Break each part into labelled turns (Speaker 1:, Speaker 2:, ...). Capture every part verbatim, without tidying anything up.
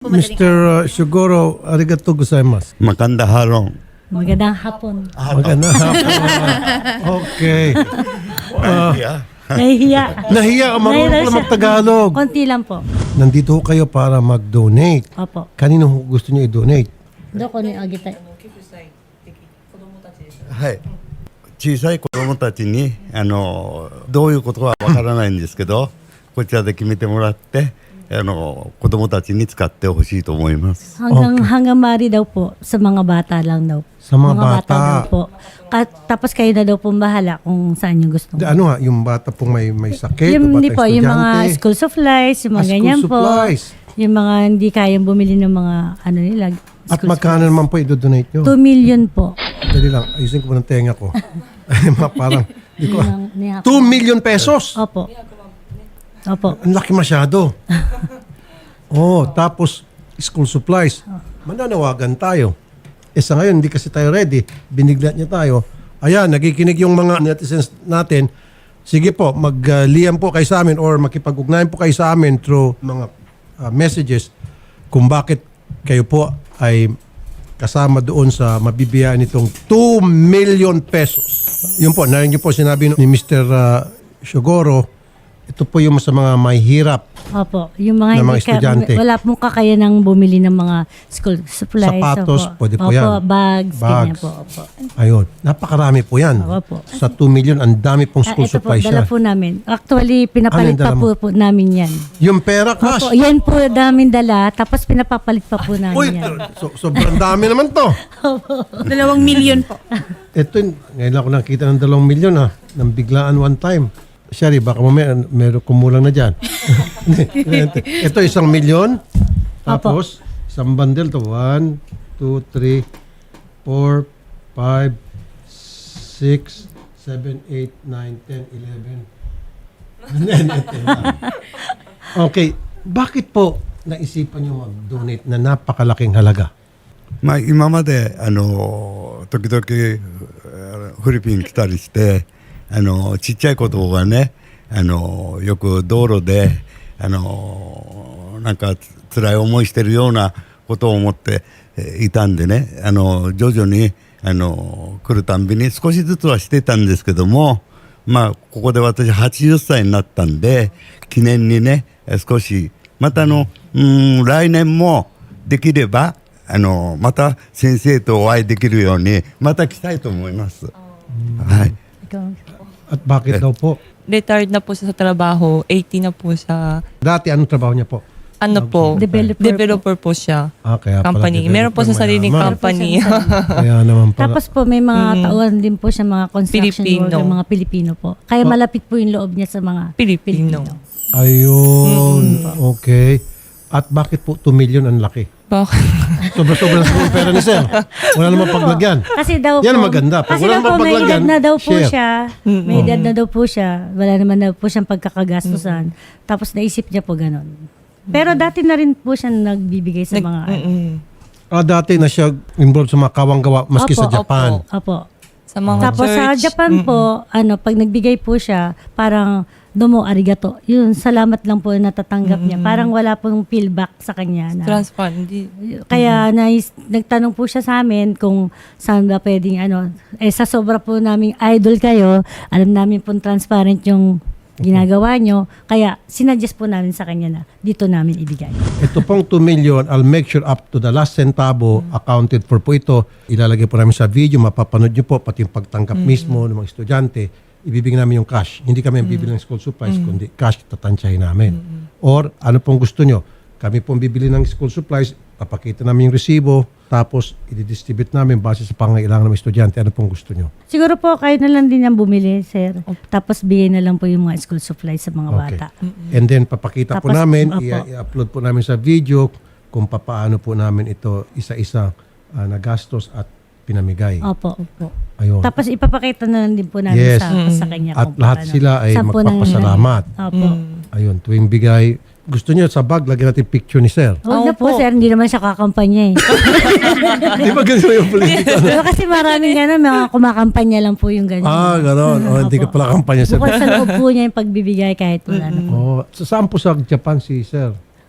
Speaker 1: Mister uh, Shugoro, arigato gozaimasu.
Speaker 2: Maganda harong.
Speaker 3: Magandang hapon.
Speaker 1: Maganda hapon. Okay. Uh,
Speaker 3: Nahihiya.
Speaker 1: nahiya ka, marunong
Speaker 3: Nahiya
Speaker 1: pala
Speaker 3: siya.
Speaker 1: mag-Tagalog.
Speaker 3: Konti lang po.
Speaker 1: Nandito ho kayo para mag-donate.
Speaker 3: Opo.
Speaker 1: Kanino ho gusto niyo i-donate?
Speaker 3: Doko ni Agita.
Speaker 2: はい。小さい子供たちにあのどういうことかわからないんですけど、こちらで決めてもらってあの子供たちに使ってほしいと思います。
Speaker 3: Hanggang, hanggang mari daw po sa mga bata lang daw.
Speaker 1: Sa mga bata.
Speaker 3: daw po. Ka- tapos kayo na daw po bahala kung saan yung gusto.
Speaker 1: Di, ano ha, yung bata pong may, may sakit?
Speaker 3: Yung,
Speaker 1: o
Speaker 3: hindi
Speaker 1: bata
Speaker 3: po, yung mga
Speaker 1: estudyante?
Speaker 3: school supplies, yung mga
Speaker 1: Ah,
Speaker 3: ganyan
Speaker 1: school
Speaker 3: po.
Speaker 1: supplies.
Speaker 3: Yung mga hindi kayang bumili ng mga ano nila.
Speaker 1: At
Speaker 3: school
Speaker 1: magkano naman po i-donate nyo?
Speaker 3: two million po.
Speaker 1: Dali lang, ayusin ko po ng tenga ko. Ay, ma- parang, di ko,
Speaker 3: Yung- ni-
Speaker 1: two million pesos!
Speaker 3: Opo. Opo.
Speaker 1: Ang laki masyado. Oh, tapos school supplies. Mananawagan tayo. Eh sa ngayon, hindi kasi tayo ready. Biniglat niya tayo. Ayan, nakikinig yung mga netizens natin. Sige po, mag-liyam po kayo sa amin or makipag-ugnayan po kayo sa amin through mga uh, messages kung bakit kayo po ay kasama doon sa mabibiyaan nitong two million pesos. Yun po, narinig niyo po sinabi ni Mister Uh, Shugoro, ito po yung sa mga may hirap.
Speaker 3: Opo. Yung mga,
Speaker 1: Ng mga
Speaker 3: hindi ka-
Speaker 1: estudyante.
Speaker 3: wala pong kakayanang bumili ng mga school supplies.
Speaker 1: Sapatos,
Speaker 3: Opo.
Speaker 1: pwede po
Speaker 3: Opo,
Speaker 1: yan.
Speaker 3: bags, ganyan
Speaker 1: Bags.
Speaker 3: po. Opo.
Speaker 1: Ayun, napakarami po yan.
Speaker 3: Opo.
Speaker 1: Sa two million, ang dami pong
Speaker 3: Ah,
Speaker 1: school
Speaker 3: ito po,
Speaker 1: supplies
Speaker 3: dala
Speaker 1: siya.
Speaker 3: po namin. Actually, pinapalit
Speaker 1: Ano yung
Speaker 3: pa
Speaker 1: dala
Speaker 3: po, po namin yan.
Speaker 1: Yung pera, cash.
Speaker 3: Opo, yan po namin dala, tapos pinapapalit pa po namin
Speaker 1: Uy,
Speaker 3: yan.
Speaker 1: so, sobrang dami naman to.
Speaker 4: Dalawang milyon po.
Speaker 1: Ito, ngayon lang ako nakita ng dalawang milyon ha. Nang biglaan one time. Sherry, baka mamaya meron kumulang na dyan. Ito isang milyon. Tapos, isang bundle to. One, two, three, four, five, six, seven, eight, nine, ten, eleven. Okay, bakit po naisipan nyo mag-donate na napakalaking halaga?
Speaker 2: まあ今まであの時々あのフィリピン来たりしてあのちっちゃい子供がねあのよく道路であのなんかつ辛い思いしてるようなことを思ってえーいたんでねあの徐々にあの来るたんびに少しずつはしてたんですけどもまあここで私はちじゅっさいになったんで記念にね少しまたあのうん来年もできればあのまた先生とお会いできるようにまた来たいと思います。はい。
Speaker 3: Ikaw.
Speaker 1: At bakit daw po?
Speaker 5: Retired na po siya sa trabaho, eighty na po siya.
Speaker 1: Dati anong trabaho niya po?
Speaker 5: Ano po?
Speaker 3: Developer po.
Speaker 5: Developer po siya.
Speaker 1: Ah, kaya pala
Speaker 5: Company.
Speaker 1: developer,
Speaker 5: Meron po sa sariling
Speaker 1: mayaman.
Speaker 5: company.
Speaker 1: Kaya naman pala.
Speaker 3: Tapos po may mga tauhan din po siya mga construction
Speaker 5: Pilipino.
Speaker 3: worker, mga Pilipino po. Kaya
Speaker 1: Oh.
Speaker 3: malapit po yung loob niya sa mga
Speaker 5: Pilipino.
Speaker 1: Ayun. Okay. At bakit po two million ang laki?
Speaker 5: Bakit?
Speaker 1: Sobra-sobra sa pera ni Sir. Wala namang paglagyan.
Speaker 3: Kasi daw
Speaker 1: Yan
Speaker 3: po,
Speaker 1: ang maganda. Pag
Speaker 3: kasi
Speaker 1: wala
Speaker 3: daw
Speaker 1: namang
Speaker 3: po may
Speaker 1: paglagyan,
Speaker 3: edad na daw po
Speaker 1: share.
Speaker 3: siya. May edad na daw po siya. Wala naman daw po siyang pagkakagastusan. Tapos naisip niya po ganun. Pero dati na rin po siya nagbibigay sa mga...
Speaker 5: Mm-mm.
Speaker 1: Ah, dati na siya involved sa mga kawang-gawa maski
Speaker 3: Opo,
Speaker 1: sa Japan.
Speaker 5: opo.
Speaker 3: Opo.
Speaker 5: Sa mga
Speaker 3: Tapos
Speaker 5: church.
Speaker 3: sa Japan po, ano, pag nagbigay po siya, parang domo arigato. Yun, salamat lang po na natatanggap niya. Parang wala pong feedback sa kanya. Na,
Speaker 5: Transfer. Hindi.
Speaker 3: kaya nais, nagtanong po siya sa amin kung saan ba pwedeng ano. Eh sa sobra po naming idol kayo, alam namin pong transparent yung ginagawa nyo. Kaya sinuggest po namin sa kanya na dito namin ibigay.
Speaker 1: Ito pong two million, I'll make sure up to the last centavo accounted for po ito. Ilalagay po namin sa video, mapapanood nyo po, pati yung pagtanggap mismo ng mga estudyante. Ibibigay namin yung cash. Hindi kami ang bibili ng school supplies, kundi cash tatansyahin namin. Or ano pong gusto nyo? Kami pong bibili ng school supplies, papakita namin yung resibo, tapos i-distribute namin base sa pangailangan ng mga estudyante. Ano pong gusto nyo?
Speaker 3: Siguro po kayo na lang din ang bumili, sir. Tapos bigay na lang po yung mga school supplies sa mga bata.
Speaker 1: And then papakita po
Speaker 3: Tapos,
Speaker 1: namin,
Speaker 3: opo.
Speaker 1: i- i-upload po namin sa video kung papaano po namin ito isa-isa ah, nagastos at pinamigay.
Speaker 3: Opo, opo.
Speaker 1: Ayun.
Speaker 3: Tapos ipapakita na lang din po namin
Speaker 1: Yes.
Speaker 3: sa, sa kanya.
Speaker 1: At
Speaker 3: kung
Speaker 1: lahat
Speaker 3: paano.
Speaker 1: sila ay
Speaker 3: Saan po nang-
Speaker 1: magpapasalamat.
Speaker 3: Opo.
Speaker 1: Ayun, tuwing bigay. Gusto niyo sa bag, lagyan natin picture ni Sir.
Speaker 3: Huwag na po,
Speaker 5: Opo.
Speaker 3: sir. Hindi naman siya kakampanya eh.
Speaker 1: Di ba ganito yung politika?
Speaker 3: Pero kasi maraming gano'n, mga kumakampanya lang po yung ganyan.
Speaker 1: ah, gano'n. O, hindi ka pala kampanya, Sir.
Speaker 3: Bukod sa loob po niya yung pagbibigay kahit wala na po.
Speaker 1: Oh, sa saan po sa Japan si Sir?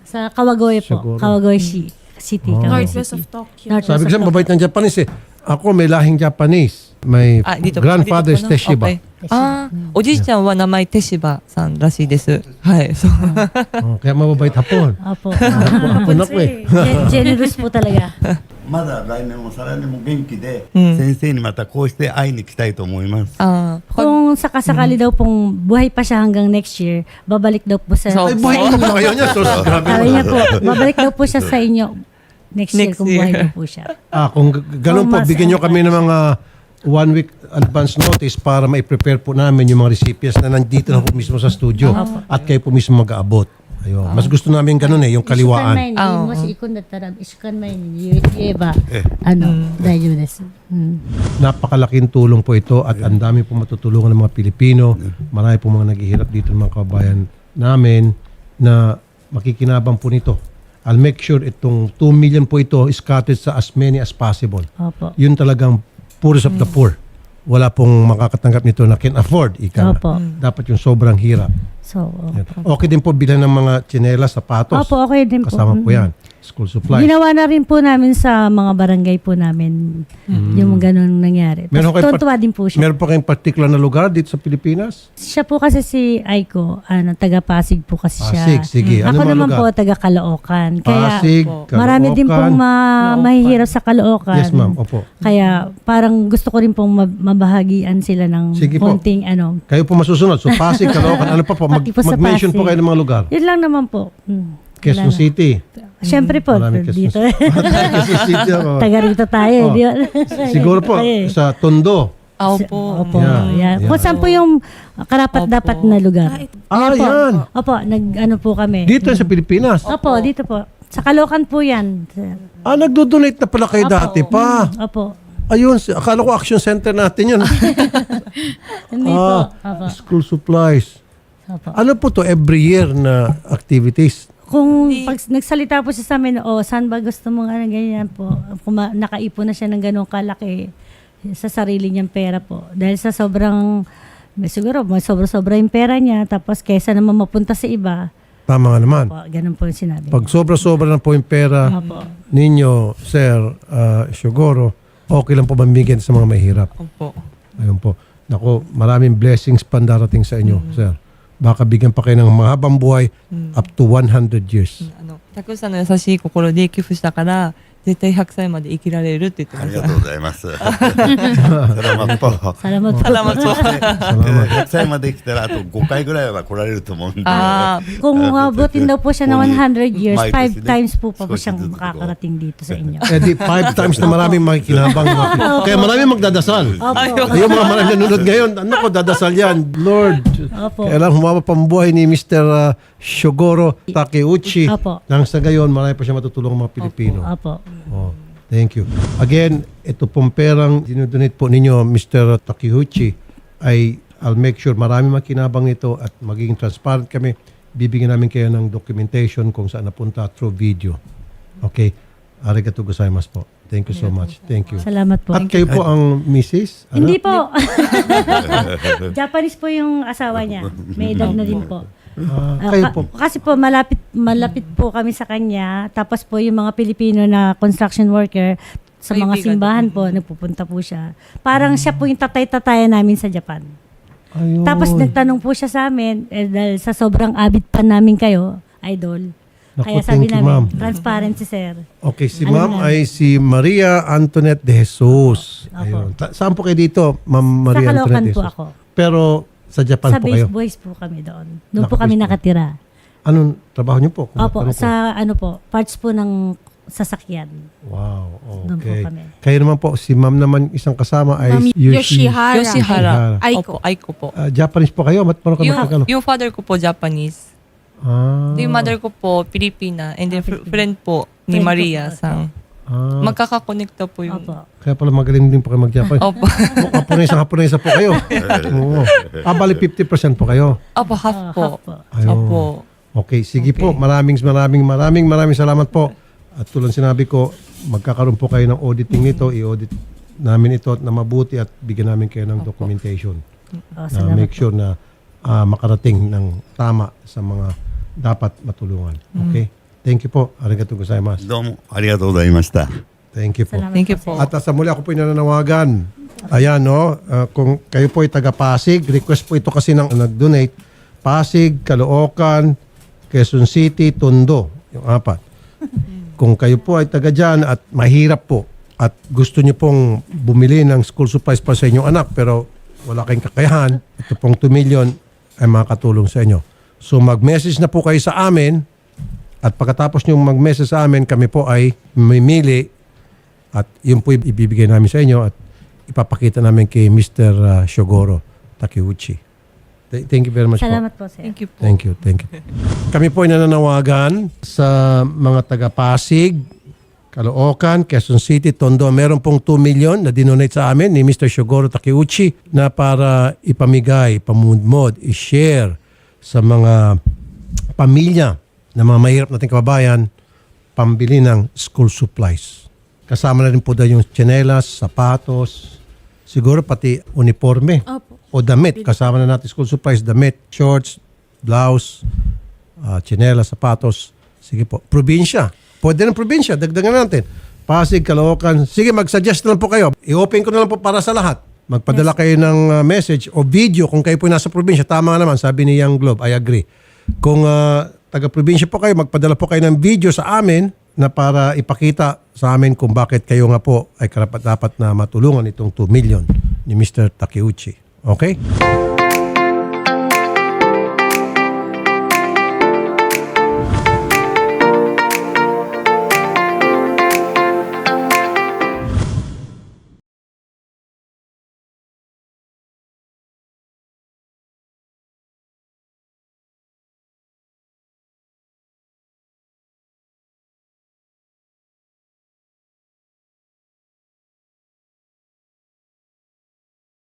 Speaker 3: Sa Kawagoe po.
Speaker 1: Siguro.
Speaker 3: Kawagoe City.
Speaker 1: Oh.
Speaker 3: Kawagoe
Speaker 4: Northwest
Speaker 3: City.
Speaker 4: of Tokyo.
Speaker 3: Northwest
Speaker 1: Sabi ko
Speaker 3: of
Speaker 1: siya, mabait ng Japanese eh. Ako may lahing Japanese. My
Speaker 5: Ah, dito po-
Speaker 1: grandfather is
Speaker 5: dito po, no?
Speaker 1: Teshiba.
Speaker 5: Okay. Ah, おじいちゃんは名前テシバさんらしいです。はい、そう。
Speaker 1: Oh, kaya mababait hapon.
Speaker 3: Opo.
Speaker 1: Hapon ako eh.
Speaker 3: Gen- generous po talaga.
Speaker 2: まだ来年も再来年も元気で、
Speaker 5: うん
Speaker 2: 先生にまたこうして会いに来たいと思います。
Speaker 5: Ah, pag-
Speaker 3: Kung sakasakali daw pong buhay pa siya hanggang next year, babalik daw po sa...
Speaker 5: So,
Speaker 1: Ay, buhay ko pa kayo niya. So, grabe
Speaker 3: Sabi
Speaker 1: naman.
Speaker 3: niya po, babalik daw po siya sa inyo next, year
Speaker 5: Next
Speaker 3: kung buhay
Speaker 5: year.
Speaker 3: daw po siya.
Speaker 1: Ah, kung g- ganun po,
Speaker 3: Kung mas-
Speaker 1: bigyan nyo kami ng mga one week advance notice para ma-prepare po namin yung mga recipients na nandito na po mismo sa studio at kayo po mismo mag-aabot. Ayun. Mas gusto namin ganun eh, yung kaliwaan.
Speaker 3: 一週間前に
Speaker 5: Ah,
Speaker 3: もし行くんだったら、一週間前に言えば、あの、大丈夫です。うん。
Speaker 1: Napakalaking tulong po ito at ang dami po matutulungan ng mga Pilipino. Marami po mga naghihirap dito ng mga kababayan namin na makikinabang po nito. I'll make sure itong two million po ito is scattered sa as many as possible.
Speaker 3: Opo.
Speaker 1: Yun talagang poorest of the poor. Wala pong makakatanggap nito na can afford. Ika nga.
Speaker 3: Opo.
Speaker 1: Dapat yung sobrang hirap.
Speaker 3: So,
Speaker 1: Yan. Okay din po bilang ng mga tsinelas, sapatos.
Speaker 3: opo, okay din po.
Speaker 1: Kasama po yan. School supplies.
Speaker 3: Ginawa na rin po namin sa mga barangay po namin yung ganun nangyari.
Speaker 1: Meron kayong
Speaker 3: Tuntua din po siya.
Speaker 1: Meron pa kayong particular na lugar dito sa Pilipinas?
Speaker 3: Siya po kasi si Aiko, ano, taga Pasig po kasi siya.
Speaker 1: Pasig, sige. Ano
Speaker 3: Ako
Speaker 1: mga
Speaker 3: naman
Speaker 1: lugar?
Speaker 3: po taga Caloocan. Kaya
Speaker 1: Pasig,
Speaker 3: marami din pong ma-
Speaker 5: Caloocan.
Speaker 3: mahihirap sa Caloocan.
Speaker 1: Yes, ma'am. Opo.
Speaker 3: Kaya parang gusto ko rin pong mab- mabahagian sila ng
Speaker 1: Sige po.
Speaker 3: konting ano.
Speaker 1: Kayo po masusunod. So, Pasig, Caloocan, ano pa po? Mag,
Speaker 3: Pati po sa
Speaker 1: mag-mention po
Speaker 3: Pasig.
Speaker 1: kayo ng mga lugar.
Speaker 3: Yun lang naman po. Hmm.
Speaker 1: Quezon
Speaker 3: Wala na.
Speaker 1: City.
Speaker 3: Siyempre po,
Speaker 1: Maraming Quezon
Speaker 3: dito.
Speaker 1: Quezon City ako.
Speaker 3: Taga rito tayo.
Speaker 1: Oh.
Speaker 3: di ba?
Speaker 1: Siguro po,
Speaker 3: Tayo eh.
Speaker 1: sa Tondo.
Speaker 5: Ah, opo.
Speaker 3: Opo.
Speaker 1: Yeah.
Speaker 3: Yeah.
Speaker 1: Yeah.
Speaker 3: Kung saan po yung karapat-dapat
Speaker 5: Opo.
Speaker 3: na lugar.
Speaker 1: Ah,
Speaker 3: Opo.
Speaker 1: yan.
Speaker 3: Opo, nag ano po kami.
Speaker 1: Dito sa Pilipinas.
Speaker 3: Opo, dito po. Sa Caloocan po yan.
Speaker 1: Ah, nagdo-donate na pala kayo
Speaker 3: Opo.
Speaker 1: dati pa.
Speaker 3: Opo.
Speaker 1: Ayun, si- akala ko action center natin yun.
Speaker 3: Hindi po.
Speaker 1: ah,
Speaker 3: Opo.
Speaker 1: school supplies.
Speaker 3: Opo.
Speaker 1: Ano po to every year na activities?
Speaker 3: Kung pag nagsalita po siya sa amin, oh, saan ba gusto mong ano, ganyan po. Kung ma- nakaipon na siya ng ganong kalaki sa sarili niyang pera po. Dahil sa sobrang, siguro, may sobra-sobra yung pera niya. Tapos kaysa naman mapunta sa iba,
Speaker 1: Tama nga naman.
Speaker 3: po, ganun po yung sinabi.
Speaker 1: Pag sobra-sobra na po yung pera
Speaker 3: Opo.
Speaker 1: ninyo, Sir uh, Shogoro, okay lang po mamigyan sa mga mahirap.
Speaker 5: Opo.
Speaker 1: Ayun po. Naku, maraming blessings pa darating sa inyo, Sir. Baka bigyan pa kayo ng mahabang buhay up to one hundred years.
Speaker 5: あの、たくさんの優しい心で寄付したから、絶対ひゃくさいまで生きられるって言ってました。
Speaker 2: ありがとうございます。Salamat po.
Speaker 3: Salamat po.
Speaker 5: Salamat po.
Speaker 1: Salamat.
Speaker 2: ひゃくさいまで来たらあとごかいぐらいは来られると思うんで。
Speaker 5: Ah,
Speaker 3: Kung abutin daw po siya ng one hundred years,
Speaker 2: May
Speaker 3: five
Speaker 2: president.
Speaker 3: times po pa po
Speaker 2: 少し
Speaker 3: siyang
Speaker 2: ずつko.
Speaker 3: makakarating dito sa inyo.
Speaker 1: Eh di five times na maraming makikinabang. Kaya maraming magdadasal.
Speaker 3: Opo.
Speaker 1: Yung mga maraming nanonood ngayon, ano ko, dadasal yan. Lord,
Speaker 3: Opo.
Speaker 1: kailangan humaba pambuhay ni Mister uh, Shogoro Takeuchi.
Speaker 3: Opo.
Speaker 1: Nang sa gayon, marami pa siya matutulong mga Pilipino.
Speaker 3: Opo.
Speaker 1: Oh, thank you. Again, ito pong perang dinodonate po ninyo, Mister Takeuchi, ay I'll make sure marami makinabang nito at magiging transparent kami. Bibigyan namin kayo ng documentation kung saan napunta through video. Okay? Arigatou gozaimasu po. Thank you so much. Thank you.
Speaker 3: Salamat po.
Speaker 1: At kayo po ang missus? Ano?
Speaker 3: Hindi po. Japanese po yung asawa niya. May edad na din po.
Speaker 1: Ah,
Speaker 3: Ah,
Speaker 1: kayo
Speaker 3: ka-
Speaker 1: po.
Speaker 3: Kasi po malapit malapit po kami sa kanya. Tapos po yung mga Pilipino na construction worker sa mga
Speaker 5: Kaibigan.
Speaker 3: simbahan po, nagpupunta po siya. Parang siya po yung tatay-tatayan namin sa Japan.
Speaker 1: Ayun.
Speaker 3: Tapos nagtanong po siya sa amin, eh, dahil sa sobrang avid pa namin kayo, idol.
Speaker 1: Naku,
Speaker 3: Kaya sabi
Speaker 1: thank you,
Speaker 3: namin,
Speaker 1: ma'am.
Speaker 3: transparency sir.
Speaker 1: Okay, si
Speaker 3: Ano
Speaker 1: ma'am
Speaker 3: na?
Speaker 1: ay si Maria Antoinette de Jesus.
Speaker 3: Opo.
Speaker 1: Ayun. Ta- saan po kayo dito, ma'am Maria
Speaker 3: sa Caloocan
Speaker 1: Antoinette de
Speaker 3: po
Speaker 1: Jesus?
Speaker 3: ako.
Speaker 1: Pero sa Japan
Speaker 3: Sa
Speaker 1: po
Speaker 3: base
Speaker 1: kayo.
Speaker 3: boys po kami doon. Doon po
Speaker 1: Naka-base
Speaker 3: kami
Speaker 1: po.
Speaker 3: nakatira.
Speaker 1: Anong trabaho niyo po? Kung
Speaker 3: Opo,
Speaker 1: ano po?
Speaker 3: sa ano po, parts po ng sasakyan.
Speaker 1: Wow,
Speaker 3: Doon po
Speaker 1: okay.
Speaker 3: kami.
Speaker 1: Kayo naman po, si ma'am naman isang kasama ay
Speaker 4: Ma'am
Speaker 1: Yoshi.
Speaker 4: Yoshihara.
Speaker 5: Yoshihara.
Speaker 4: Aiko.
Speaker 5: Opo, Aiko po.
Speaker 1: Ah, Japanese po kayo? Mat parang
Speaker 5: Yung,
Speaker 1: kayo?
Speaker 5: yung father ko po Japanese.
Speaker 1: Ah,
Speaker 5: Yung mother ko po Pilipina. And then fr- friend po ni
Speaker 3: Friend ko
Speaker 5: Maria
Speaker 3: po.
Speaker 5: sang.
Speaker 1: ah,
Speaker 5: Magkakakonekta po yung...
Speaker 3: Opo.
Speaker 1: kaya pala magaling din po kayo mag-Japanese.
Speaker 5: Opo.
Speaker 1: Oh, Haponesa, Haponesa po kayo. Oo. Ah, bali fifty percent po kayo.
Speaker 5: Opo, half
Speaker 3: Ah,
Speaker 5: po.
Speaker 3: half po.
Speaker 1: Ayun.
Speaker 5: Opo.
Speaker 1: Okay, sige
Speaker 5: Okay.
Speaker 1: po. Maraming maraming maraming maraming salamat po. At tulad sinabi ko, magkakaroon po kayo ng auditing nito. I-audit namin ito na mabuti at bigyan namin kayo ng documentation.
Speaker 3: Oh,
Speaker 1: Na
Speaker 3: salamat
Speaker 1: make
Speaker 3: po.
Speaker 1: sure na ah, makarating ng tama sa mga dapat matulungan. Okay? Thank you po. Arigato gozaimasu.
Speaker 2: どうもありがとうございました。
Speaker 1: Thank you po.
Speaker 3: Salamat
Speaker 5: Thank you
Speaker 3: po,
Speaker 5: po.
Speaker 3: sir.
Speaker 1: At sa muli ako po nananawagan. Ayan, no? Uh, kung kayo po ay taga Pasig, request po ito kasi ng nag-donate. Pasig, Caloocan, Quezon City, Tondo. Yung apat. Kung kayo po ay taga dyan at mahirap po at gusto nyo pong bumili ng school supplies para sa inyong anak pero wala kayong kakayahan, ito pong two million ay makakatulong sa inyo. So mag-message na po kayo sa amin at pagkatapos nyo mag-message sa amin, kami po ay mamimili at yun po ibibigay namin sa inyo at ipapakita namin kay Mister uh, Shogoro Takeuchi. Th- Thank you very much po.
Speaker 3: Salamat po, sir.
Speaker 5: Thank you po.
Speaker 1: Thank you, thank you. Kami po ay nananawagan sa mga taga Pasig, Caloocan, Quezon City, Tondo. Meron pong two million na dinonate sa amin ni Mister Shogoro Takeuchi na para ipamigay, pamudmod, i-share sa mga pamilya na mga mahirap nating kababayan pambili ng school supplies. Kasama na rin po daw yung tsinelas, sapatos, siguro pati uniforme.
Speaker 4: Opo.
Speaker 1: O damit. Kasama na natin school supplies, damit, shorts, blouse, uh, tsinelas, sapatos. Sige po. Probinsya. Pwede ng probinsya. Dagdagan natin. Pasig, Caloocan. Sige, mag-suggest na lang po kayo. I-open ko na lang po para sa lahat. Magpadala kayo ng uh, message o video kung kayo po nasa probinsya. Tama nga naman, sabi ni Young Globe. I agree. Kung uh, taga-probinsya po kayo, magpadala po kayo ng video sa amin na para ipakita sa amin kung bakit kayo nga po ay karapat-dapat na matulungan itong two million ni Mister Takeuchi. Okay?